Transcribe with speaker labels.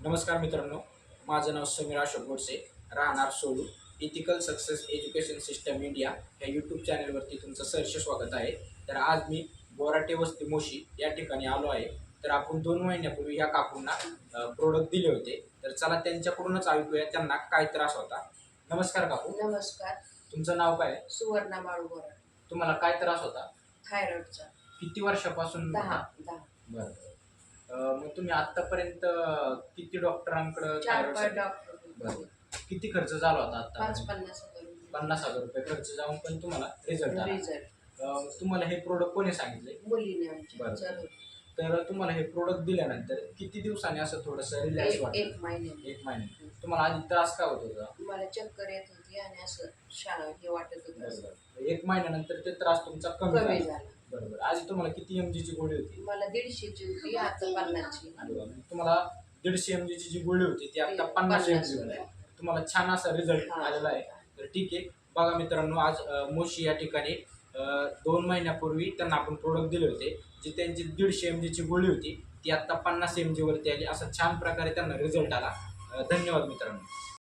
Speaker 1: नमस्कार मित्रांनो, माझं नाव समीर अशोक गोडसे, राहणार Solu. Ethical success education system India या यूट्यूब चॅनलवरती तुमचं सहर्ष स्वागत आहे. तर आज मी बोराटे वस्ती मोशी या ठिकाणी आलो आहे. तर आपण 2 महिन्यापूर्वी या काकूंना प्रोडक्ट दिले होते. तर चला त्यांच्याकडूनच ऐकूया त्यांना काय त्रास होता. नमस्कार काकू.
Speaker 2: नमस्कार.
Speaker 1: तुमचं नाव काय आहे?
Speaker 2: सुवर्णा बाळू बोराटे.
Speaker 1: तुम्हाला काय त्रास होता?
Speaker 2: थायरॉइडचा.
Speaker 1: किती वर्षापासून?
Speaker 2: 10.
Speaker 1: बरं. मग तुम्ही आतापर्यंत किती डॉक्टरांकडे
Speaker 2: 4-5 डॉक्टर.
Speaker 1: बरं. किती खर्च झाला होता आता?
Speaker 2: 50,000 रुपये.
Speaker 1: 50,000 रुपये खर्च जाऊन पण तुम्हाला रिझल्ट आला.
Speaker 2: रिझल्ट
Speaker 1: तुम्हाला हे प्रोडक्ट कोणी सांगितले?
Speaker 2: मुलीने
Speaker 1: बरं.
Speaker 2: आमच्या.
Speaker 1: तर तुम्हाला हे प्रोडक्ट दिल्यानंतर किती दिवसांनी असं थोडंसं रिलॅक्स वाटलं?
Speaker 2: 1 महिन्याने.
Speaker 1: 1 महिने. तुम्हाला आधी त्रास काय होत होता?
Speaker 2: मला चक्कर येत होती आणि असं हे वाटत होतं.
Speaker 1: बरोबर. 1 महिन्यानंतर ते त्रास तुमचा कमी
Speaker 2: कमी
Speaker 1: झाला.
Speaker 2: झाला.
Speaker 1: बरोबर. आधी तुम्हाला किती mg ची गोळी होती?
Speaker 2: मला 150ची होती, आता 50ची.
Speaker 1: आणि तुम्हाला 150 mg ची जी गोळी होती ती आता 50 mg वर आहे. तुम्हाला छान असा रिझल्ट आलेला आहे. तर ठीक आहे. बघा मित्रांनो, आज मोशी या ठिकाणी 2 महिन्यापूर्वी त्यांना आपण प्रोडक्ट दिले होते. जी त्यांची 150 mg ची गोळी होती ती आता 50 mg वरती आली. असा छान प्रकारे त्यांना रिझल्ट आला. धन्यवाद मित्रांनो.